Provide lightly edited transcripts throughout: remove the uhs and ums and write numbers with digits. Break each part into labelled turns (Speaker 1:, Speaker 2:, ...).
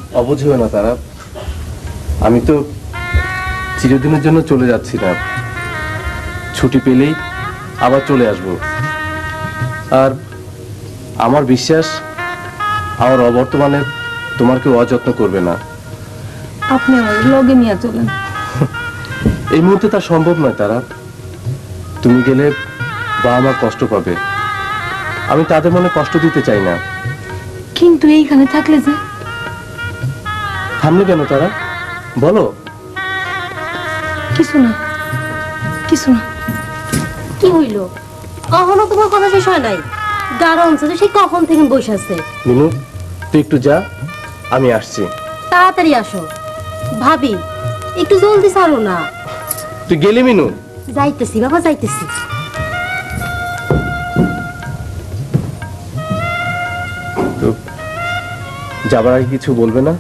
Speaker 1: অবুঝ হবে না তারা, আমি তো চিরদিনের জন্য চলে যাচ্ছি না, ছুটি পেলেই আবার চলে আসব। আর আমার বিশ্বাস আমার অবর্তমানে তোমার কেউ অযত্ন করবে না।
Speaker 2: আপনি আমার লগে নিয়ে চলেন।
Speaker 1: এই মুহূর্তে তা সম্ভব নয় তারা, তুমি গেলে বাবা মা কষ্ট পাবে, আমি তাদের মনে কষ্ট দিতে চাই না।
Speaker 2: কিন্তু এইখানে থাকলে যে।
Speaker 1: থামলে কেন তারা, বলো।
Speaker 2: কিছু না, কিছু না।
Speaker 3: কি হইল? এখনো তোমার কথা শেষ হয় নাই? গাড়া অঞ্চলে সে কখন থেকে বসে আছে।
Speaker 1: মিনু তুই একটু যা, আমি আসছি।
Speaker 3: তাড়াতাড়ি আসো। ভাবি একটু জলদি ছাড়ো না।
Speaker 1: তুই গেলি মিনু?
Speaker 3: যাইতেছি বাবা, যাইতেছি।
Speaker 1: তো যাবার আগে কিছু বলবে না?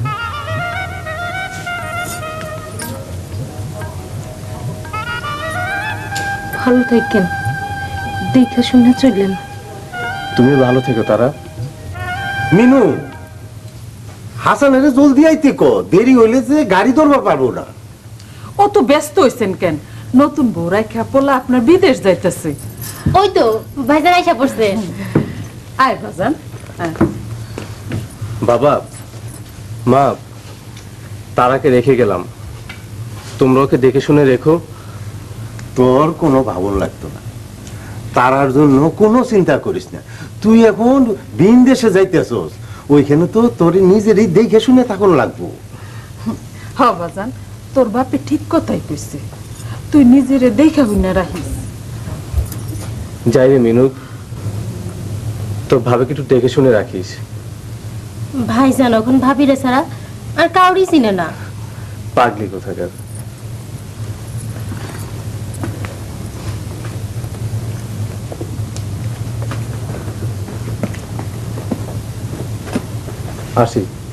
Speaker 2: ভালো থাকেন, দেখে শুনে চললেন।
Speaker 1: তুমি ভালো থেকো তারা।
Speaker 4: মিনু, হাসানের জলদি আইতে ক, দেরি হইলে যে গাড়ি ধরবা পারবো না।
Speaker 5: অত ব্যস্ত হইছেন কেন? নতুন বউরাই খেপলা আপনার বিদেশ যাইতেছে।
Speaker 3: ওই তো ভাইজান আইসা পড়ছে।
Speaker 5: আয় বাজান, আয়।
Speaker 1: বাবা মা, তারাকে রেখে গেলাম, তোমরা ওকে দেখে শুনে রেখো।
Speaker 4: তোর কোনো ভাবন লাগতো না, তারার জন্য কোনো চিন্তা করিস না। তুই এখন ভিন দেশে যাইতেছস, ওইখানে তো তোর নিজেরই দেখে শুনে তখন লাগবো।
Speaker 5: হ বাজান, তোর বাপে ঠিক কথাই কইছে, তুই নিজেরে দেখা হইনা রাখিস।
Speaker 1: যাই রে মিনু, তোর ভাবিকে একটু দেখে শুনে রাখিস।
Speaker 3: ভাইজান এখন ভাবিরে ছাড়া আর কাউরি চিনে না।
Speaker 1: পাগলি কোথাকার। আসি।